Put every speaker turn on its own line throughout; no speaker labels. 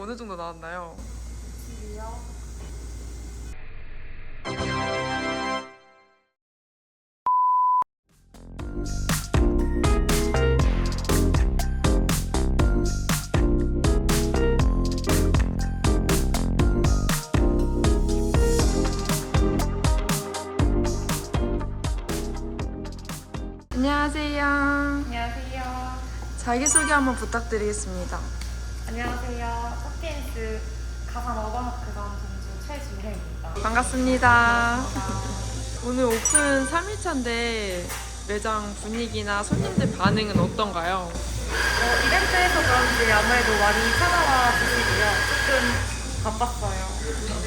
어느 정도 나왔나요? 안녕하세요.
안녕하세요.
자기소개 한번 부탁드리겠습니다.
안녕하세요. 서피엔스 가산 어버마크관 동주 최주혜입니다.
반갑습니다. 오늘 오픈 3일차인데 매장 분위기나 손님들 반응은 어떤가요?
이벤트에서 그런지 아무래도 많이 찾아와 주시고요. 조금 바빴어요.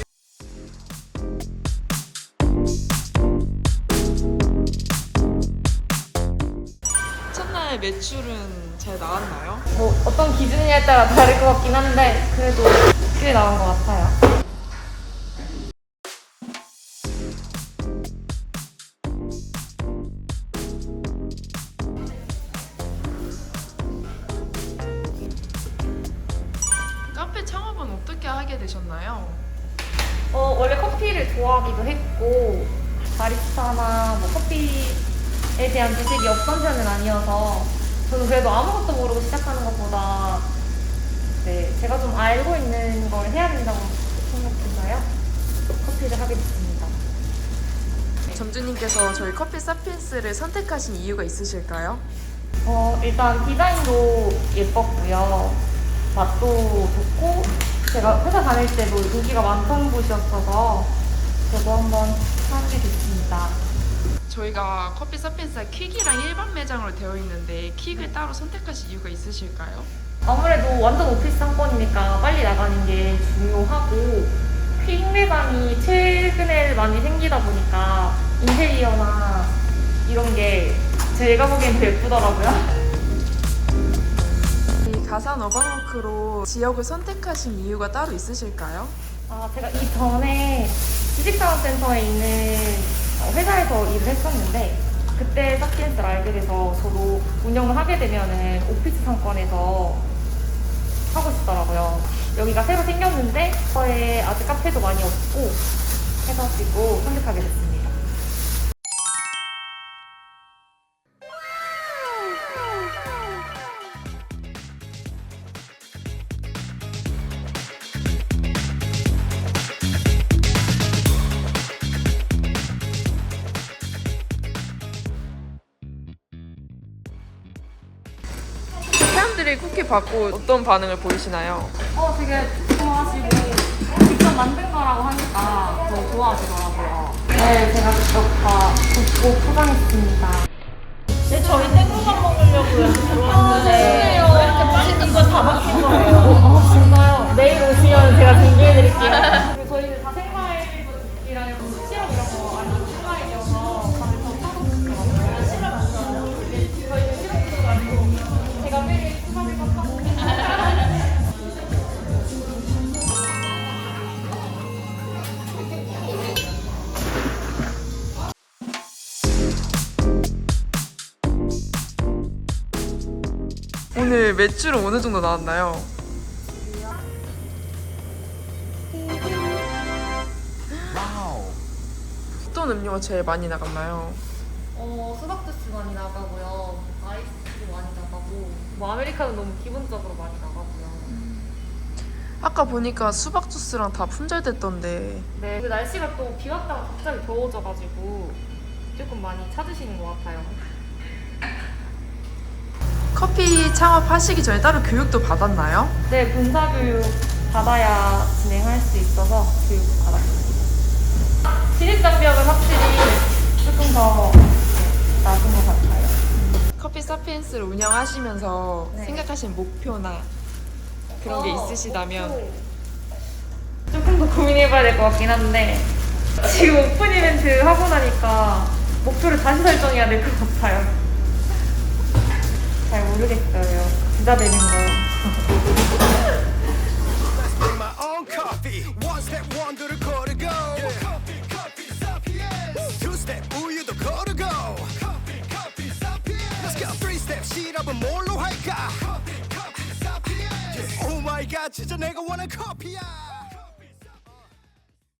첫날 매출은 잘 나왔나요?
뭐 어떤 기준이냐에 따라 다를 것 같긴 한데 그래도 꽤 나온 것 같아요.
카페 창업은 어떻게 하게 되셨나요?
원래 커피를 좋아하기도 했고 바리스타나 뭐 커피에 대한 지식이 없던 편은 아니어서 저는 그래도 아무것도 모르고 시작하는 것보다 제가 좀 알고 있는 걸 해야 된다고 생각해서요. 커피를 하게 됐습니다.
점주님께서 저희 커피 사피엔스를 선택하신 이유가 있으실까요?
일단 디자인도 예뻤고요. 맛도 좋고 제가 회사 다닐 때도 인기가 많던 곳이었어서 저도 한번 하게 됐습니다.
저희가 커피 사피엔스가 퀵이랑 일반 매장으로 되어 있는데 퀵을 따로 선택하신 이유가 있으실까요?
아무래도 완전 오피스 상권이니까 빨리 나가는 게 중요하고 퀵 매장이 최근에 많이 생기다 보니까 인테리어나 이런 게 제가 보기엔 더 예쁘더라고요.
이 가산 어바워크로 지역을 선택하신 이유가 따로 있으실까요?
제가 이전에 지식자원센터에 있는 회사에서 일을 했었는데 그때 사피엔스를 알게 돼서 저도 운영을 하게 되면은 오피스 상권에서 하고 싶더라고요. 여기가 새로 생겼는데 저에 아직 카페도 많이 없고 해가지고 선택하게 됐습니다.
사람들이 쿠키 받고 어떤 반응을 보이시나요?
되게 좋아하시고 직접 만든 거라고 하니까 더 좋아하시더라고요. 네, 제가 직접 다 굽고 포장했습니다.
네, 저희 땡구만 먹으려고 여기 들어왔는데 왜 이렇게 맛있는 거 다 막힌 거예요?
진짜요? 내일 오시면 제가 준비해드릴게요. 그리고 저희는 다 생과일이랑 시럽 이런 거 아니고 생과일이어서 다들 더 사먹더라고요. 시럽 안 좋아해요? 저희는 시럽도 아니고 제가 매일 수박이고 사고
오늘 매출은 어느 정도 나왔나요? 어떤 음료가 제일 많이 나갔나요?
수박 주스 많이 나가고요. 아이스도 많이 나가고 뭐 아메리카노 너무 기본적으로 많이 나가고요.
아까 보니까 수박 주스랑 다 품절됐던데
네, 그 날씨가 또 비 왔다가 갑자기 더워져가지고 조금 많이 찾으시는 것 같아요.
커피 창업하시기 전에 따로 교육도 받았나요?
네, 본사 교육 받아야 진행할 수 있어서 교육 받았습니다. 진입 장벽은 확실히 조금 더 낮은 것 같아요.
커피 사피엔스를 운영하시면서
네.
생각하신 목표나 그런 게 있으시다면
조금 더 고민해봐야 될 것 같긴 한데 지금 오픈 이벤트 하고 나니까 목표를 다시 설정해야 될 것 같아요. 잘 모르겠어요. 부자 되는 거.
Bring my own coffee. One step 원두를 걸어go. Two step 우유도 걸어go. Let's go. Three step 시럽은 뭘로 할까? Oh my 진짜 내가 원한 커피야